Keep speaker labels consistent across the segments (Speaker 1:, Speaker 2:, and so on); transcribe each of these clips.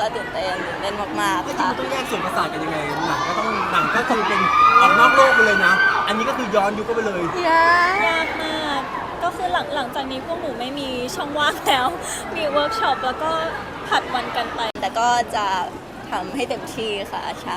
Speaker 1: ตื่นเต้นมากๆ
Speaker 2: จริง
Speaker 1: ค่ะ
Speaker 2: มันต้องแยกส่วนประสาทกันยังไงหนังก็คือเป็นออกนอกโลกไปเลยนะอันนี้ก็คือย้อนยุคก็ไปเลย
Speaker 3: ยากมากก็คือหลังจากนี้พวกหนูไม่มีช่องว่างแล้ว มีเวิร์กช็อปแล้วก็ผัดวันกันไป
Speaker 1: แต่ก็จะทำให้เต็มที่ค่ะใช่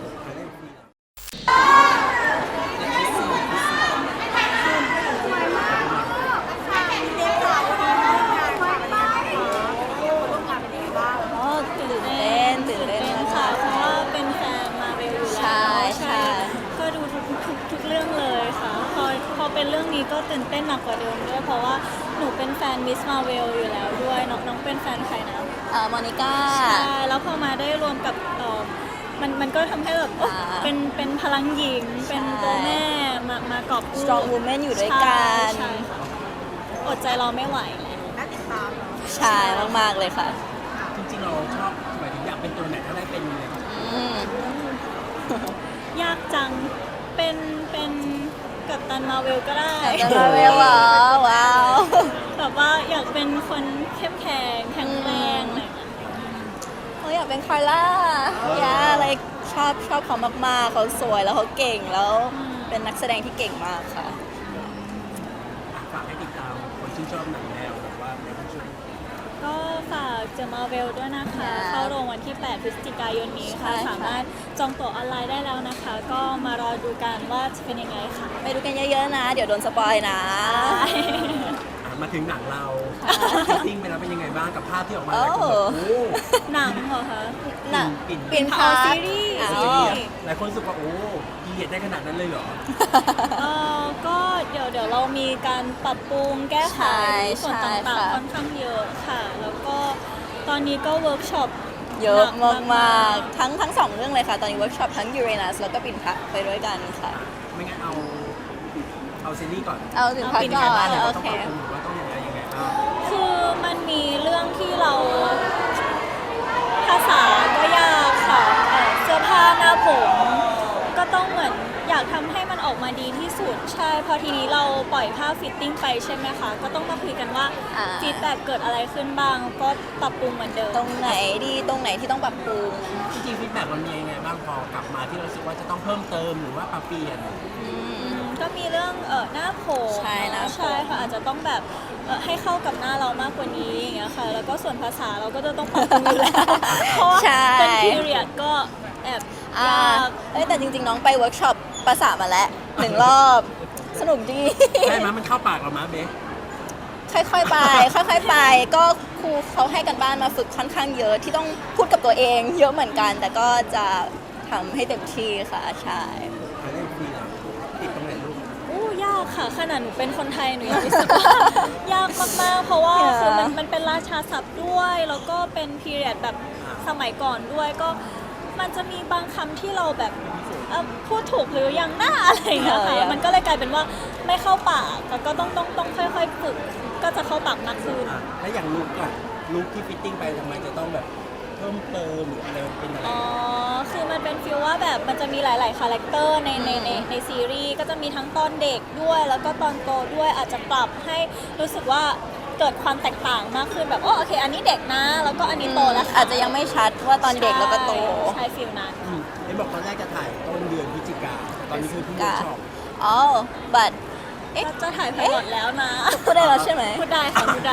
Speaker 1: อ๋อตื่นเต้นค่ะ
Speaker 3: เพราะว่าเป็นแฟนมาเวลอยู่แล้ว
Speaker 1: ใช่
Speaker 3: ก็ดูทุกเรื่องเลยค่ะพอเป็นเรื่องนี้ก็ตื่นเต้นหนักกว่าเดิมด้วยเพราะว่าหนูเป็นแฟนมิสมาเวลอยู่แล้วด้วยน้องเป็นแฟนใครนะ
Speaker 1: มอนิก้า
Speaker 3: ใช่แล้วพอมาได้รวมกับมันก็ทำให้แบบโอ๊ะ
Speaker 1: อ่า
Speaker 3: เป็นพลังหญิง เป็นตัวแม่มากอบกู้
Speaker 1: strong woman อยู่ด้วยกัน
Speaker 3: ใช่ค่ะอดใจรอไม่ไหว
Speaker 1: ใช่มากๆเลยค่ะ
Speaker 2: จริงๆเราชอบหมายถึงอยากเป็นตัวไหนถ้าได้เป็นเลย
Speaker 1: อืม
Speaker 3: ยากจังเป็นกัปตันมาเวลก็ได้
Speaker 1: จะมาเวลเหรอว้าว
Speaker 3: แบบว่าอยากเป็นคนเข้มแข็งแข็งแรงอะไรอย่างเงี้ย
Speaker 1: เขาอยากเป็นคาร่าอะไรชอบเขามากๆเขาสวยแล้วเขาเก่งแล้วเป็นนักแสดงที่เก่งมากค่ะ
Speaker 2: ฝากให้ติดตามคนที่ชอบหนังแนวแบบว่าในผู้ชม
Speaker 3: ก็ฝากเจอมาเวลด้วยนะคะ
Speaker 1: ค่ะ
Speaker 3: เข้าโรงวันที่ 8 พฤศจิกายนนี้ค่ะ
Speaker 1: ใช่ค่ะ
Speaker 3: สามารถจองตั๋วออนไลน์ได้แล้วนะคะ ก็มารอดูกันว่าจะเป็นยังไงค่ะ
Speaker 1: ไปดูกันเยอะๆนะ เดี๋ยวโดนสปอยนะ
Speaker 2: มาถึงหนังเรา
Speaker 1: ค่ะ
Speaker 2: ฟิตติ้งไปแล้วเป็นยังไงบ้างกับภาพที่ออกมา
Speaker 1: โอ้
Speaker 2: หลายคนแบบโอ้
Speaker 3: หนังเหรอคะ
Speaker 1: น่ะ
Speaker 2: ปิ่น
Speaker 1: ปิ่น
Speaker 3: อ๋อซีรีส์
Speaker 1: อ๋อ
Speaker 2: ซีรีส์หลายคนรู้สึกว่าโอ้พีเรียดได้ขนาดนั้นเลยเหรอ
Speaker 3: ก็เดี๋ยวเรามีการปรับปรุงแก้ไข
Speaker 1: ใช่
Speaker 3: ส่วน
Speaker 1: ใช่
Speaker 3: ต่าง
Speaker 1: ค่ะ
Speaker 3: ๆค่อนข้างเยอะค่ะ แล้วก็ตอนนี้ก็เวิร์กช็อป
Speaker 1: เยอะ
Speaker 3: หนั
Speaker 1: มากๆทั้งสองเรื่องเลยค่ะ ตอนนี้เวิร์กช็อปทั้งยูเรนัสแล้วก็ปิ่นพักไปด้วยกันค่ะ
Speaker 2: ไม่งั้นเอาซีรีส์ก่อน
Speaker 1: เอาถึงพัก
Speaker 2: เป็น
Speaker 1: ก่
Speaker 2: ยัง
Speaker 1: อ
Speaker 2: ไงบ้าง
Speaker 1: น
Speaker 2: เนี่ย
Speaker 1: โอ
Speaker 2: เราต้อง
Speaker 1: เค
Speaker 2: ปรับปรุงหรือว่าต้องยังไงบ้าง
Speaker 3: คือมันมีเรื่องที่เราภาษาก็ยากค่ะเสื้อผ้าหน้าผมก็ต้องเหมือนอยากทำให้มันออกมาดีที่สุดใช่พอทีนี้เราปล่อยภาพฟิตติ้งไปใช่ไหมคะก็ต้องมาคุยกันว่า
Speaker 1: อ่า
Speaker 3: ฟีดแบ็กเกิดอะไรขึ้นบ้าง ก็ปรับปรุงเหมือนเดิม
Speaker 1: ตรงไหนดีตรงไหนที่ต้องปรับปรุง
Speaker 2: จริงๆฟีดแบ็กมันมียังไงบ้างพอกลับมาที่เรารู้สึกว่าจะต้องเพิ่มเติมหรือว่าปรับเปลี่ยน
Speaker 3: ก็มีเรื่องหน้าผม
Speaker 1: ใช่หน้าผม
Speaker 3: ใช่ค่ะอาจจะต้องแบบให้เข้ากับหน้าเรามากกว่านี้อย่างเงี้ยค่ะ แล้วก็ส่วนภาษาเราก็จะต้องปรับปรุงอยู่แล้ว เพราะว่า
Speaker 1: ใช่
Speaker 3: เป็นพีเรียดก็แอบยาก
Speaker 1: แต่จริงๆ น้องไปเวิร์กช็อปภาษามาแล้ว1 รอบ สนุกดี
Speaker 2: ได้ไหมมันเข้าปากเรามั้ยเบส
Speaker 1: ค่อยๆไป ค่อยๆไป ก็ครูเขาให้กันบ้านมาฝึกค่อนข้างเยอะที่ต้องพูดกับตัวเองเยอะเหมือนกัน แต่ก็จะทำให้เต็มที่ค่ะ ใช่
Speaker 2: ใครได้คุยหลังติดตรงไหนลูก
Speaker 3: อู้ยากค่ะขนาดหนูเป็นคนไทยหนูยังรู้สึกว่า ยากมากๆ เพราะว่า
Speaker 1: Yeah.
Speaker 3: คือมันเป็นราชาศัพท์ด้วย แล้วก็เป็นพีเรียดแบบสมัยก่อนด้วยก็มันจะมีบางคำที่เราแบบพูดถูกหรือยังหน้าอะไรอย่างเงี้ยค่ะ
Speaker 1: Yeah.
Speaker 3: มันก็เลยกลายเป็นว่าไม่เข้าปากแต่ก็ต้องค่อยๆฝึกก็จะเข้าปากมากขึ้น
Speaker 2: แล้วอย่างลุกที่ฟิตติ้งไปทำไมจะต้องแบบเพิ่มเติมหรืออะไรมันเป็นอะไร
Speaker 3: อ๋อ คือมันเป็นฟีลว่าแบบมันจะมีหลาย ๆ คาแรคเตอร์ในซีรีส์ก็จะมีทั้งตอนเด็กด้วย แล้วก็ตอนโตด้วยอาจจะปรับให้รู้สึกว่าเกิดความแตกต่างมากขึ้นแบบโอเค อันนี้เด็กนะ แล้วก็อันนี้โตแล้วค่
Speaker 1: อาจจะยังไม่ชัดว่าตอนเด็กแล้วก็โต
Speaker 3: ใช่ฟีลนั้น
Speaker 2: เห็นบอกตอนแรกจะถ่ายต้นเดือนพฤศจิกาตอนนี้คือเพิ่งเวิร์กช็อป
Speaker 1: อ๋อ but
Speaker 3: ก็จะถ่ายไพลอตแล้วนะ
Speaker 1: พูดได้แล้วใช่ไหม
Speaker 3: พูดได้ค่ะ พูดได้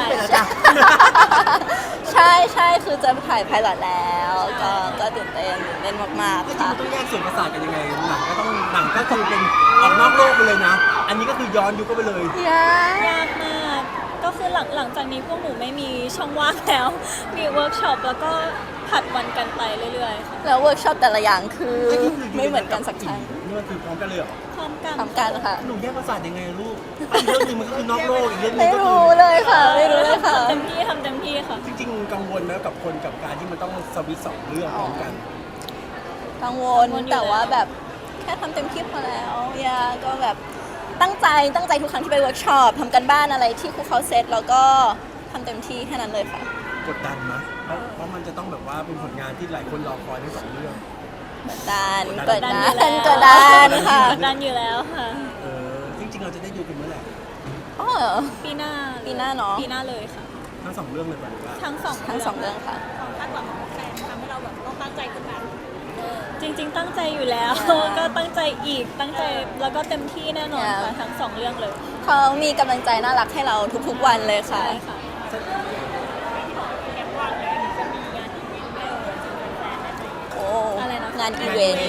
Speaker 1: ใช่คือจะถ่ายไพลอตแล้ว ก็ตื่นเต้นมาก
Speaker 2: จริ
Speaker 1: ๆ
Speaker 2: ง
Speaker 1: ค่ะ
Speaker 2: มันต้องแยกส่วนประสาทกันยังไงหนังก็คือเป็นออกนอกโลกไปเลยนะ อันนี้ก็คือย้อนยุคก็ไปเลย
Speaker 3: ยากมาก ก็คือหลังจากนี้พวกหนูไม่มีช่องว่างแล้ว มีเวิร์กช็อปแล้วก็ผัดวันกันไปเรื่อยๆค่ะ
Speaker 1: แล้วเวิร์กช็อปแต่ละอย่างคือไม่เหมือนกันสักครั้ง
Speaker 2: นี่มันคือพร้อมกันเลยเหรอ
Speaker 3: พร้อมกัน
Speaker 1: ทำกันค่ะ
Speaker 2: หนูแยกประสาทยังไงลูกอีกเรื่องหนึงมันก็คือนอกโลกอีกเรื่องหนึ
Speaker 1: ไม่
Speaker 2: งก็คื
Speaker 1: รู้
Speaker 2: อ
Speaker 1: เลยค่ะ ไม่รู้เลยค่ะ
Speaker 3: ทำเต็มที่ค่ะ
Speaker 2: จริงๆกังวลนะกับคนกับการที่มันต้องสวิตช์สองเรื่องพร้อมกัน
Speaker 1: กังวล
Speaker 3: กังวลอยู่
Speaker 1: แต่ว่า
Speaker 3: แล้ว
Speaker 1: แบบแค่ทำเต็มที่พอแล้วก็แบบตั้งใจทุกครั้งที่ไปเวิร์กช็อปทำกันบ้านอะไรที่ครูเขาเซตแล้วก็ทำเต็มที่แค่นั้นเลยค่ะ
Speaker 2: กดดันนะเพราะมันจะต้องแบบว่าเป็นผลงานที่หลายคนรอคอยทั้งสองเรื่อง
Speaker 1: กดดัน
Speaker 2: กดดัน
Speaker 1: ค่ะ
Speaker 3: กดดันอยู่แล้วค่ะ
Speaker 2: จริงๆเราจะได้ดูกันเมื่อไหร่
Speaker 1: อ๋อ
Speaker 3: ปีหน้า
Speaker 1: ปีหน้าเนอะ
Speaker 3: ปีหน้าเลยค่ะ
Speaker 2: ทั้งสองเรื่องเลยป่ะหรือว่า
Speaker 3: ทั้งสอง
Speaker 1: ทั้งสองเรื่องค่ะ
Speaker 3: ความคาดหวังของแฟนทำให้เราริงๆตั้งใจอยู่แล้ว ก็ตั้งใจอีกตั้งใจแล้วก็เต็มที่แน่นอนค่ะทั้งสองเรื่องเลย
Speaker 1: เขามีกำลังใจน่ารักให้เราทุกๆวันเลยค่ะ
Speaker 3: ใช่ค่ะ
Speaker 1: โอ้
Speaker 3: อะไรนะ
Speaker 1: งานอีเวนต์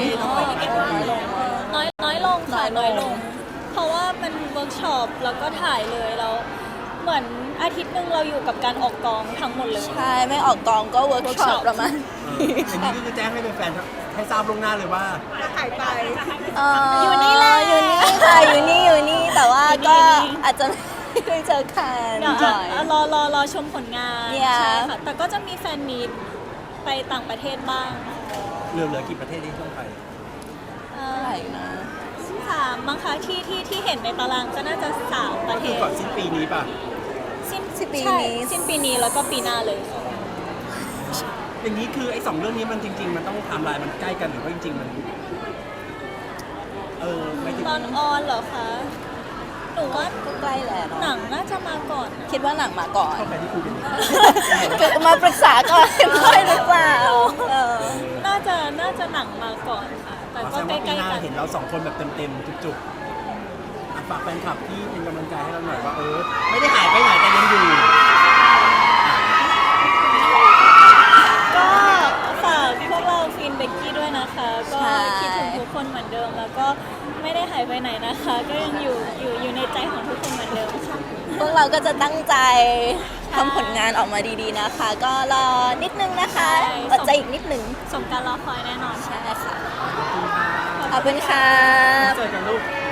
Speaker 3: น้อยลงค่ะน้อยลง เพราะว่ามันเวิร์กช็อปแล้วก็ถ่ายเลยแล้วเหมือนอาทิตย์หนึงเราอยู่กับการออกกองทั้งหมดเลย
Speaker 1: ใช่ไม่ออกกองก็เวิร์กช็อปประมาณ
Speaker 2: อย่างนี้ก็คือแจ้งให้แฟนๆให้ทราบล่วงหน้าเลยว่า
Speaker 1: อยู่นี่แหละอยู่นี่ค่ะอยู่นี่แต่ว่าก็อาจจะไม่ได้เจอกัน
Speaker 3: เดี๋ยว
Speaker 1: บ่อย
Speaker 3: รอชมผลงาน
Speaker 1: เนี่ย
Speaker 3: ใช่ค่ะแต่ก็จะมีแฟนมีตไปต่างประเทศบ้าง
Speaker 2: เหลือกี่ประเทศที่ต้องไป
Speaker 1: อะไรนะ
Speaker 3: สามมั้งคะที่เห็นในตารางก็น่าจะ3 ประเท
Speaker 2: คือ
Speaker 3: ศ
Speaker 2: ก่อนสิ้นปีนี้ป่ะ
Speaker 3: สิ้น
Speaker 1: ปี
Speaker 3: ใช่
Speaker 1: นี้
Speaker 3: สิ้นปีนี้แล้วก็ปีหน้าเลยค่ะ
Speaker 2: อย่างนี้คือไอ้2เรื่องนี้มันจริง ๆ มันต้องไทม์ไลน์มันใกล้กันหรือว่าจริง ๆ มันไม่ถึง
Speaker 3: ตอนออนเหรอคะหนูว่า
Speaker 1: ก็ใกล้แล้วเนอะ
Speaker 3: หนังน่าจะมาก่อนนะ
Speaker 1: คิดว่าหนังมาก่อน
Speaker 2: เข้าไปที่คุยกัน
Speaker 1: เกิดมาปรึกษาก่อนค่อยหรือเปล่า
Speaker 3: น่าจะหนังมาก่อนค่ะ แต่
Speaker 2: แส
Speaker 3: ก็
Speaker 2: ดง
Speaker 3: ใก
Speaker 2: ว่าปี
Speaker 3: ล้
Speaker 2: หน้า
Speaker 3: ๆกัน
Speaker 2: เห็นเรา2คนแบบเต็มๆจุกๆฝากแฟนคลับที่เป็นกำลังใจให้เราหน่อยว่าไม่ได้หายไปไหนแต่ยังอยู่
Speaker 3: ก็ฝากพวกเราฟินเบกกี้ด้วยนะคะ ก็
Speaker 1: ใช่
Speaker 3: คิดถึงทุกคนเหมือนเดิม แล้วก็ไม่ได้หายไปไหนนะคะ ก็ยังอยู่ในใจของทุกคนเหมือนเดิมค่ะ
Speaker 1: พวกเราก็จะตั้งใจทำผลงานออกมาดีๆนะคะ ก็รอนิดนึงนะคะ
Speaker 3: ใช่
Speaker 1: อดใจอีกนิดนึง
Speaker 3: สมการรอคอยแน่นอน
Speaker 1: ใช่ค่ะ
Speaker 2: ขอบคุณค่ะ
Speaker 1: ขอบคุณค่ะ
Speaker 2: เจอกันลูก